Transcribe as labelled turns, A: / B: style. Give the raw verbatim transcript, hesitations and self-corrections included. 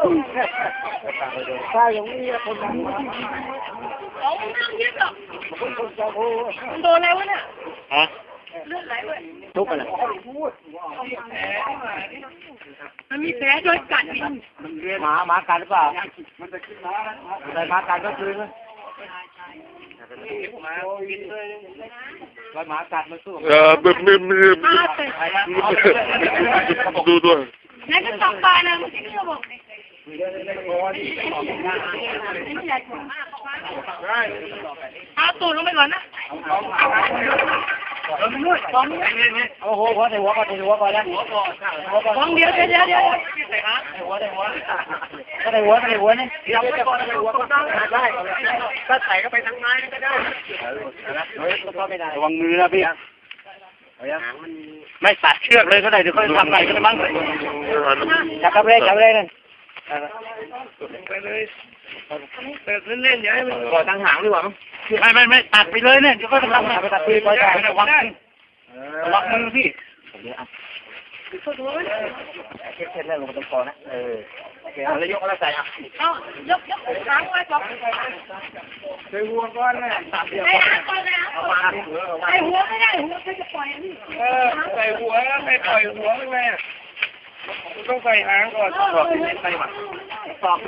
A: ใช่อย่างนี้คนนั้น
B: เอาไม่นั่งเยอะหรอกโดนอะไรวะเนี่ยฮะเลือดไหลเว้ย
A: ทุบอะไร
B: มันมีแผลโดนกัดนี่
A: หมาหมากัดหรือเปล่าใส่หมากัดก็คือแล้วหมากัดมันสู้
C: เออไม่ไม่ไม่ดูด้วย
B: นั่นก็ตอกปลานะมันที่เราบอกเอาตูดลงไปก่อนนะ
A: โอ้โหหัวใส่หัวก่อนใส่หัวก่อนแล้วหัวก่อนหัวก่อน
B: ฟองเดียวเดี๋ยวเดี๋ยวเดี๋ยว
A: ใส่หัวใส่หัวใส่หัวใส่หัวนี่ยังไม่ก่อนใส่หัวก็ได้ถ้าใส่ก็ไปทางไม้ก็ได้เฮ้ยก็ไม่ได้ระวังมือนะพี่ไม่ตัดเชือกเลยก็ได้เดี๋ยวเขาทำอะไรก็ได้มั้งจับกระเบนจับกระเบนนั่นไปเลยเปิดเล่นๆอย่าให้มันก่อทางหางดีกว่ามั้งไม่ไม่ไม่ตัดไปเลยเนี่ยเดี๋ยวก็ทำไปตัดไปปล่อยได้ระวังระวังมือพี่เช็ดเช็ดเล่นลงตรงคอนะเออโอเคแล้วยกแล้วใส่อ่ะ
B: เอายกยกค้างไว้ก่อน
A: ใส่หัวก้อนเลย
B: ใส่หางก่อนนะใส่หัวไม่ได้หัวเขาจะปล่อยนี่
A: เออใส่หัวไม่ปล่อยหัวไม่แม่ต้องใส่หางก่อนใส่หาง